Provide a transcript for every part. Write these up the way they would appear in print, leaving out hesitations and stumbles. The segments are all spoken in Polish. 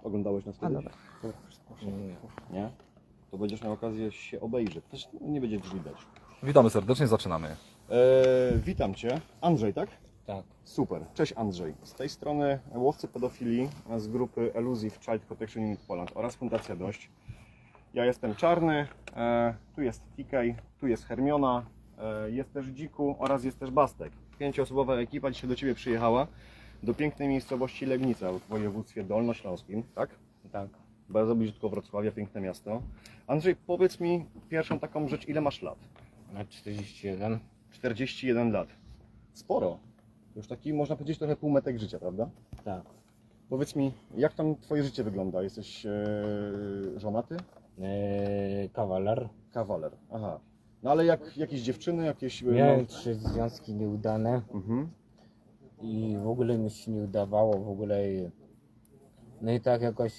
Oglądałeś nas kiedyś? dobra. Nie? To będziesz miał okazję się obejrzeć. Też nie będzie widać. Witamy serdecznie, zaczynamy. Witam Cię. Andrzej, tak? Tak. Super. Cześć Andrzej. Z tej strony łowcy pedofilii z grupy Elusive Child Protection Unit Poland oraz Fundacja Dość. Ja jestem Czarny, tu jest TK, tu jest Hermiona, jest też Dziku oraz jest też Bastek. 5-osobowa ekipa dzisiaj do Ciebie przyjechała do pięknej miejscowości Legnica w województwie dolnośląskim, tak? Tak. Bardzo blisko Wrocławia, piękne miasto. Andrzej, powiedz mi pierwszą taką rzecz, ile masz lat? Na 41. 41 lat. Sporo. Już taki, można powiedzieć, trochę półmetek życia, prawda? Tak. Powiedz mi, jak tam Twoje życie wygląda? Jesteś żonaty? Kawaler. Kawaler. Aha. No ale jakieś dziewczyny, jakieś... Miałem 3 związki nieudane Mhm. i w ogóle mi się nie udawało, w ogóle. No i tak jakoś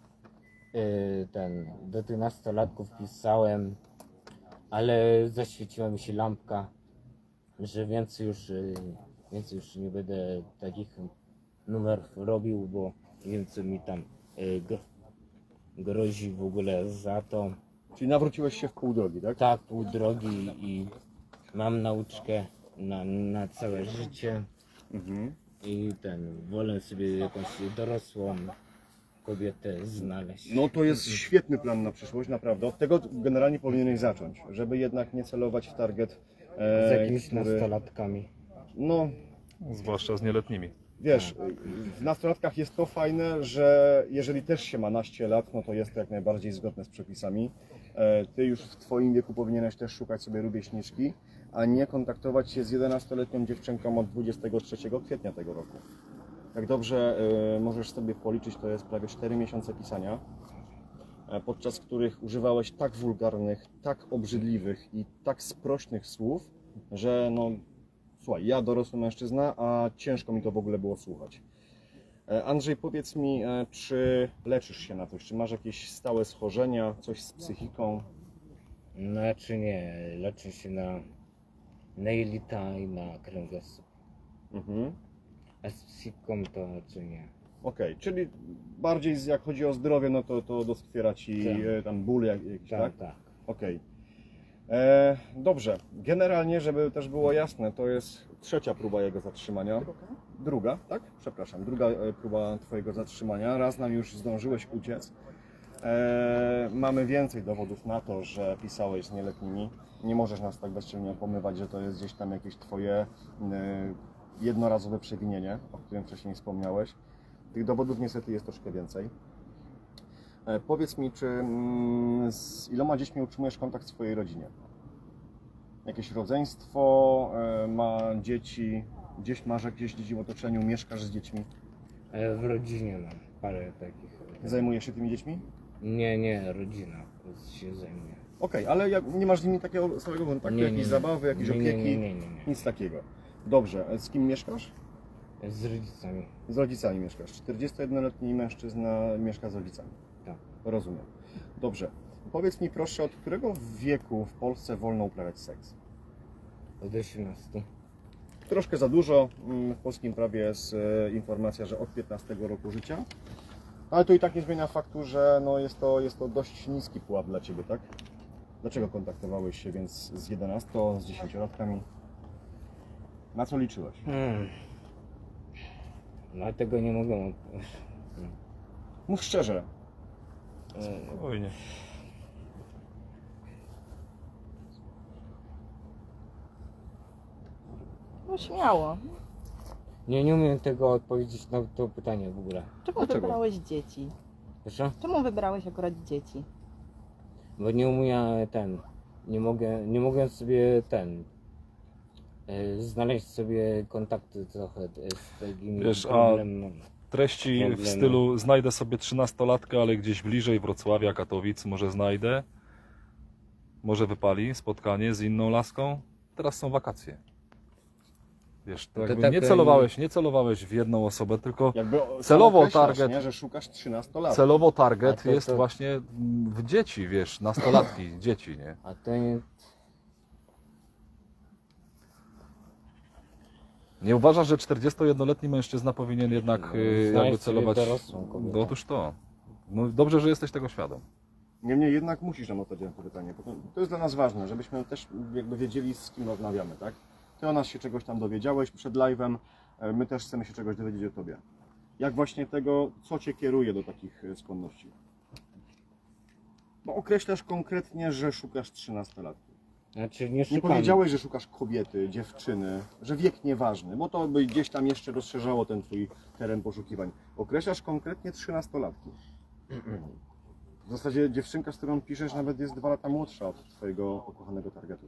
do tych nastolatków pisałem, ale zaświeciła mi się lampka, że więcej już nie będę takich numerów robił, bo wiem co mi tam grozi w ogóle za to. Czyli nawróciłeś się w pół drogi, tak? Tak, pół drogi i mam nauczkę na całe życie Mhm. i wolę sobie jakąś dorosłą kobietę znaleźć. No to jest świetny plan na przyszłość, naprawdę. Od tego generalnie powinieneś zacząć, żeby jednak nie celować w target, Z jakimiś który... nastolatkami. No, Zwłaszcza z nieletnimi. wiesz, w nastolatkach jest to fajne, że jeżeli też się ma naście lat, no to jest to jak najbardziej zgodne z przepisami. Ty już w Twoim wieku powinieneś też szukać sobie rówieśniczki, a nie kontaktować się z 11-letnią dziewczynką od 23 kwietnia tego roku. Jak dobrze możesz sobie policzyć, to jest prawie 4 miesiące pisania, podczas których używałeś tak wulgarnych, tak obrzydliwych i tak sprośnych słów, że no, słuchaj, ja dorosły mężczyzna, a ciężko mi to w ogóle było słuchać. Andrzej, powiedz mi, czy leczysz się na coś? Czy masz jakieś stałe schorzenia, coś z psychiką? Znaczy nie, leczę się na jelita i na kręgosłup. Mhm. A z psychiką to raczej nie. Okej, czyli bardziej jak chodzi o zdrowie, no to doskwiera Ci Tak. tam ból jakiś, tak? Tak, tak. Okej. Dobrze, generalnie, żeby też było jasne, to jest trzecia próba jego zatrzymania. Druga, tak? Przepraszam, druga próba Twojego zatrzymania. Raz nam już zdążyłeś uciec. Mamy więcej dowodów na to, że pisałeś z nieletnimi. Nie możesz nas tak bezczelnie opomywać, że to jest gdzieś tam jakieś Twoje jednorazowe przewinienie, o którym wcześniej wspomniałeś. Tych dowodów niestety jest troszkę więcej. Powiedz mi, czy z iloma dziećmi utrzymujesz kontakt w swojej rodzinie? Jakieś rodzeństwo, ma dzieci, masz jakieś dzieci w otoczeniu, mieszkasz z dziećmi? W rodzinie mam parę takich. Zajmujesz się tymi dziećmi? Nie, rodzina się zajmuje. Okej, ale nie masz z nimi takiego samego kontaktu, jakieś zabawy, jakieś opieki? Nie. Nic takiego. Dobrze, z kim mieszkasz? Z rodzicami. Z rodzicami mieszkasz. 41-letni mężczyzna mieszka z rodzicami. Tak. Rozumiem. Dobrze. Powiedz mi proszę, od którego wieku w Polsce wolno uprawiać seks? Od 18. Troszkę za dużo. W polskim prawie jest informacja, że od 15 roku życia. Ale to i tak nie zmienia faktu, że no jest to dość niski pułap dla Ciebie, tak? Dlaczego kontaktowałeś się więc z 11, z 10-latkami? Na co liczyłeś? Dlatego nie mogę. Mów szczerze. Spokojnie. No śmiało. Nie umiem tego odpowiedzieć na to pytanie w ogóle. Czemu Dlaczego? wybrałeś dzieci? Proszę? Czemu wybrałeś akurat dzieci? Bo nie umiem nie mogę sobie znaleźć sobie kontakty trochę z takimi Wiesz, a problemami. treści w stylu znajdę sobie 13-latkę, ale gdzieś bliżej Wrocławia, Katowic może znajdę. Może wypali spotkanie z inną laską. Teraz są wakacje. Wiesz, to To jakby tak, nie celowałeś w jedną osobę, tylko Jakby celowo określasz, target- nie, że szukasz 13 lat. celowo A target to- jest to- właśnie w dzieci, wiesz, nastolatki, dzieci, nie? A to nie... Nie uważasz, że 41-letni mężczyzna powinien jednak jakby Znaleźć sobie celować... dorosłą kobietę. Otóż to. No dobrze, że jesteś tego świadom. Niemniej jednak musisz nam odpowiedzieć na to pytanie, bo to jest dla nas ważne, żebyśmy też jakby wiedzieli, z kim rozmawiamy, tak? Ty o nas się czegoś tam dowiedziałeś przed live'em, my też chcemy się czegoś dowiedzieć o tobie. Jak właśnie tego, co cię kieruje do takich skłonności? Bo określasz konkretnie, że szukasz 13-latki. Znaczy nie Nie szukam. powiedziałeś, że szukasz kobiety, dziewczyny, że wiek nieważny, bo to by gdzieś tam jeszcze rozszerzało ten twój teren poszukiwań. Określasz konkretnie 13-latki. W zasadzie dziewczynka, z którą piszesz, nawet jest 2 lata młodsza od twojego ukochanego targetu.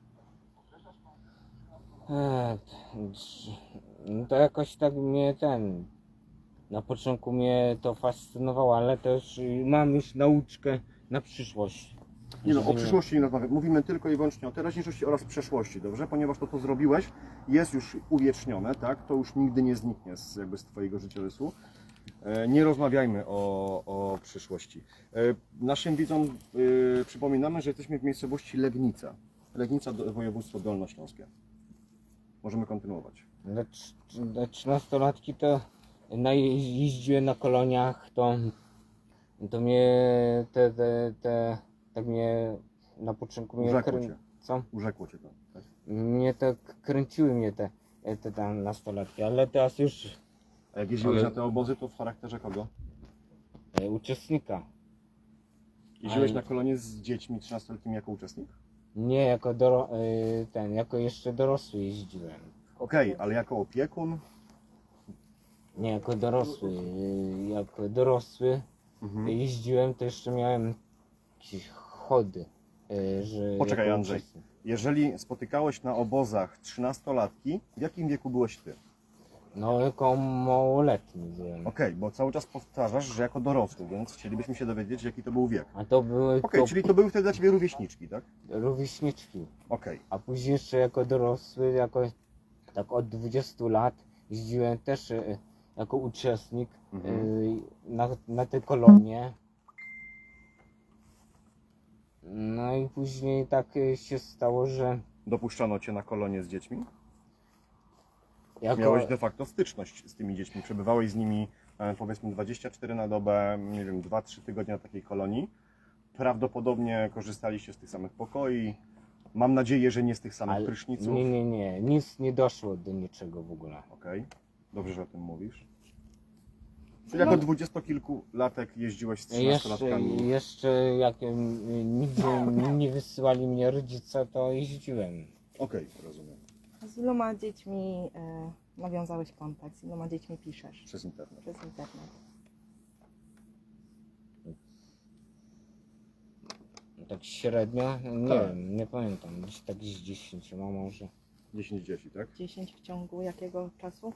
Eee, no to jakoś tak mnie na początku mnie to fascynowało, ale też mam już nauczkę na przyszłość. Nie no, Żeby o przyszłości nie rozmawiamy. Mówimy tylko i wyłącznie o teraźniejszości oraz przeszłości, dobrze? Ponieważ to, co zrobiłeś, jest już uwiecznione, tak? To już nigdy nie zniknie z twojego życiorysu. Nie rozmawiajmy o przyszłości. Naszym widzom przypominamy, że jesteśmy w miejscowości Legnica. Legnica, województwo dolnośląskie. Możemy kontynuować. Dla 13-latki to jeździłem na koloniach, to mnie tak mnie na początku mnie Urzekło cię. co? Urzekło cię to. Tak? Mnie tak kręciły mnie te tam nastolatki, ale teraz już A jak jeździłeś Ale- na te obozy, to w charakterze kogo? uczestnika. Jeździłeś Ale- na kolonie z dziećmi 13-letnimi jako uczestnik? Nie jako jako jeszcze dorosły jeździłem. Okej, ale jako opiekun? Nie jako dorosły. Jako dorosły Mhm. jeździłem, to jeszcze miałem jakieś chody. Że Poczekaj, jako Andrzej. uczestnik. Jeżeli spotykałeś na obozach 13-latki, w jakim wieku byłeś ty? No jako małoletni byłem. Okej, bo cały czas powtarzasz, że jako dorosły, więc chcielibyśmy się dowiedzieć, jaki to był wiek. A to były Okej, czyli to były wtedy dla ciebie rówieśniczki, tak? rówieśniczki. Okej. A później jeszcze jako dorosły, tak od 20 lat jeździłem też jako uczestnik Mhm. na te kolonie. No i później tak się stało, że Dopuszczano cię na kolonie z dziećmi? jako, Miałeś de facto styczność z tymi dziećmi. Przebywałeś z nimi powiedzmy 24 na dobę, nie wiem, 2-3 tygodnie na takiej kolonii. Prawdopodobnie korzystaliście z tych samych pokoi. Mam nadzieję, że nie z tych samych ale, pryszniców. nie, nic nie doszło do niczego w ogóle. Okej, dobrze, że o tym mówisz. Czyli jako dwudziestokilkulatek jeździłeś z 13-latkami. Jeszcze jak nigdzie nie wysyłali mnie rodzice, to jeździłem. Okej, rozumiem. A z iloma dziećmi nawiązałeś kontakt? Z iloma dziećmi piszesz? Przez internet. Przez internet. Tak średnio, nie Tak. wiem, nie pamiętam, gdzieś tak z 10 może. 10 dzieci, tak? 10 w ciągu jakiego czasu?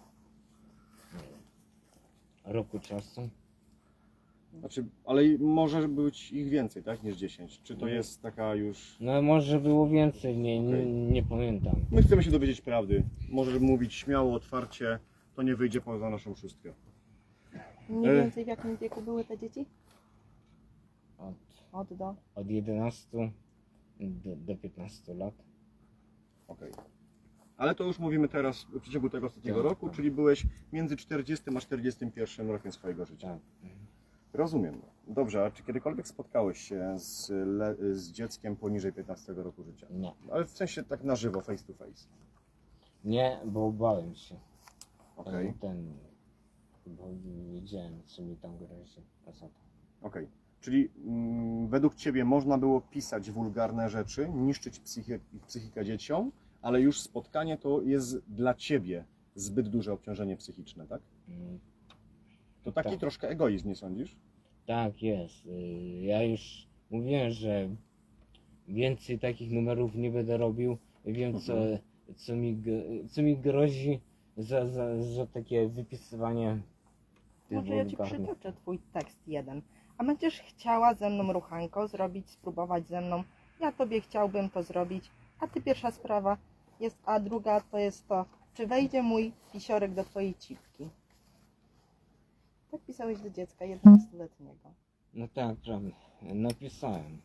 Roku czasu. Znaczy, ale może być ich więcej, tak? Niż 10. Czy to jest taka już... No może było więcej, Okej. nie pamiętam. My chcemy się dowiedzieć prawdy. Możesz mówić śmiało, otwarcie. To nie wyjdzie poza naszą szóstkę. Mniej więcej w jakim wieku były te dzieci? Od, Od do? od 11 do 15 lat. Okej. Ale to już mówimy teraz w przeciągu tego ostatniego Tak, roku, tak. czyli byłeś między 40 a 41 rokiem swojego życia. Tak. Rozumiem. Dobrze, a czy kiedykolwiek spotkałeś się z dzieckiem poniżej 15 roku życia? Nie. Ale w sensie tak na żywo, face to face. Nie, bo bałem się. Okej, Bo wiedziałem, co mi tam grozi. okej. Czyli według Ciebie można było pisać wulgarne rzeczy, niszczyć psychikę dzieciom, ale już spotkanie to jest dla Ciebie zbyt duże obciążenie psychiczne, tak? Mm, To taki Tak. troszkę egoizm, nie sądzisz? Tak jest. Ja już mówiłem, że więcej takich numerów nie będę robił. Wiem, co mi grozi za takie wypisywanie tych Może ja Ci wulgarnych. przytoczę Twój tekst jeden. A będziesz chciała ze mną ruchanko zrobić, spróbować ze mną? Ja Tobie chciałbym to zrobić. A Ty pierwsza sprawa jest, a druga to jest to, czy wejdzie mój pisiorek do Twojej cipki? Tak pisałeś do dziecka 11-letniego. No tak, prawda. Napisałem.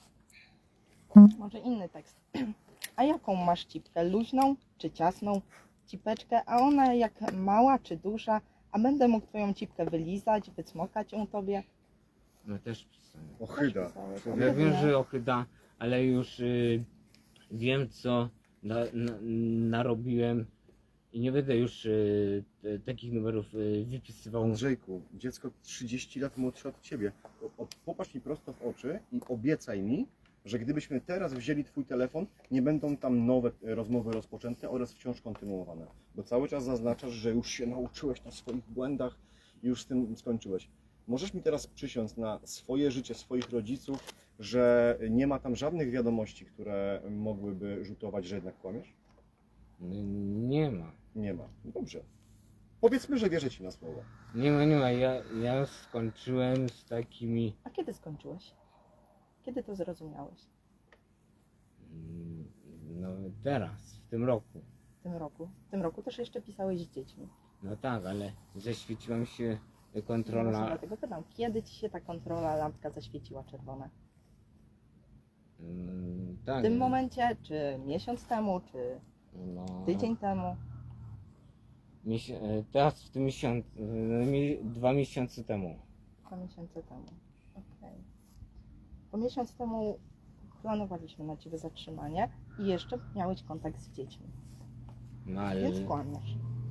Może inny tekst. A jaką masz cipkę? Luźną czy ciasną? Cipeczkę, a ona jak mała czy duża? A będę mógł Twoją cipkę wylizać, wycmokać ją Tobie? No też pisałem. Ochyda. pisałeś. Ja Człowieku. wiem, że ochyda, ale już wiem co narobiłem i nie będę już takich numerów wypisywał. Andrzejku, dziecko 30 lat młodsze od ciebie. Popatrz mi prosto w oczy i obiecaj mi, że gdybyśmy teraz wzięli twój telefon, nie będą tam nowe rozmowy rozpoczęte oraz wciąż kontynuowane. Bo cały czas zaznaczasz, że już się nauczyłeś na swoich błędach i już z tym skończyłeś. Możesz mi teraz przysiąc na swoje życie, swoich rodziców, że nie ma tam żadnych wiadomości, które mogłyby rzutować, że jednak kłamiesz? Nie ma. Nie ma. Dobrze. Powiedzmy, że wierzę ci na słowo. Nie ma. Ja skończyłem z takimi. A kiedy skończyłeś? Kiedy to zrozumiałeś? No teraz, w tym roku. W tym roku? W tym roku też jeszcze pisałeś z dziećmi. No tak, ale zaświeciła mi się No właśnie kontrola. dlatego pytam, kiedy ci się ta kontrola lampka zaświeciła czerwona? Tak. W tym momencie, czy miesiąc temu, czy No, tydzień temu? teraz w tym miesiącu, 2 miesiące temu. 2 miesiące temu. Okej. Po miesiąc temu planowaliśmy na ciebie zatrzymanie i jeszcze miałeś kontakt z dziećmi, No ale więc kłamiesz.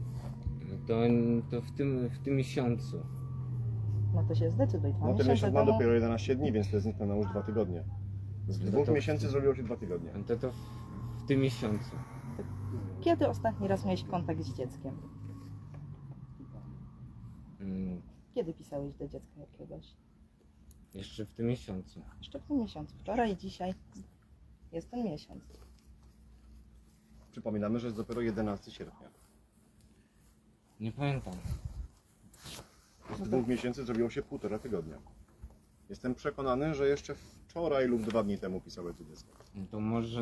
to w tym miesiącu. No to się zdecyduj. 2 No ten miesiące miesiąc ma temu. dopiero 11 dni, więc to jest niespełna już 2 tygodnie. Z No 2 to- miesięcy zrobiło się 2 tygodnie. To w tym miesiącu. Kiedy ostatni raz miałeś kontakt z dzieckiem? Mm, Kiedy pisałeś do dziecka jakiegoś? Jeszcze w tym miesiącu. Jeszcze w tym miesiącu. Wczoraj i dzisiaj jest ten miesiąc. Przypominamy, że jest dopiero 11 sierpnia. Nie pamiętam. Z 2 miesięcy zrobiło się 1,5 tygodnia. Jestem przekonany, że jeszcze wczoraj lub 2 dni temu pisałeś do dziecka. No to może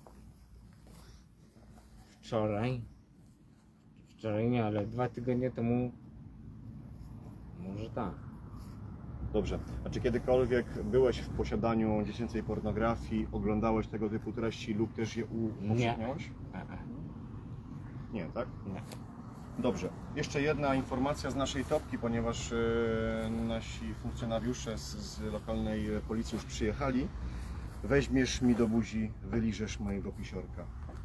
wczoraj. Wczoraj nie, ale 2 tygodnie temu. Może tak. Dobrze. A czy kiedykolwiek byłeś w posiadaniu dziecięcej pornografii, oglądałeś tego typu treści lub też je upowszechniałeś? Nie, tak? Nie. Dobrze. Jeszcze jedna informacja z naszej topki, ponieważ nasi funkcjonariusze z lokalnej policji już przyjechali. Weźmiesz mi do buzi, wyliżesz mojego pisiorka.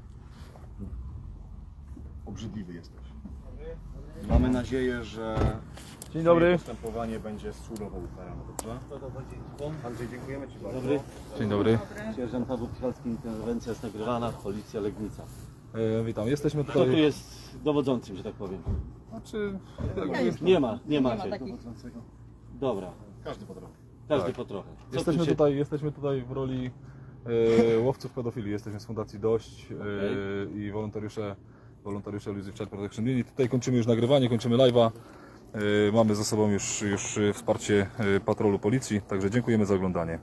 Obrzydliwy jesteś. Mamy nadzieję, że Dzień twoje dobry. postępowanie będzie surowo ukarane, dobrze? Andrzej, dziękujemy Ci bardzo. Dobry. Dzień dobry. Sierżant Paweł Pichalski, interwencja jest nagrywana, policja Legnica. Witam. Jesteśmy Kto tu tutaj. jest dowodzącym, że tak powiem? Znaczy, Nie macie. Dobra, Każdy po trochę. każdy Tak. po trochę. Co jesteśmy tu się... tutaj w roli łowców pedofilii. Jesteśmy z Fundacji Dość i wolontariusze Luzy Child Protection Unit. Tutaj kończymy już nagrywanie, kończymy live'a. Mamy za sobą już wsparcie patrolu policji, także dziękujemy za oglądanie.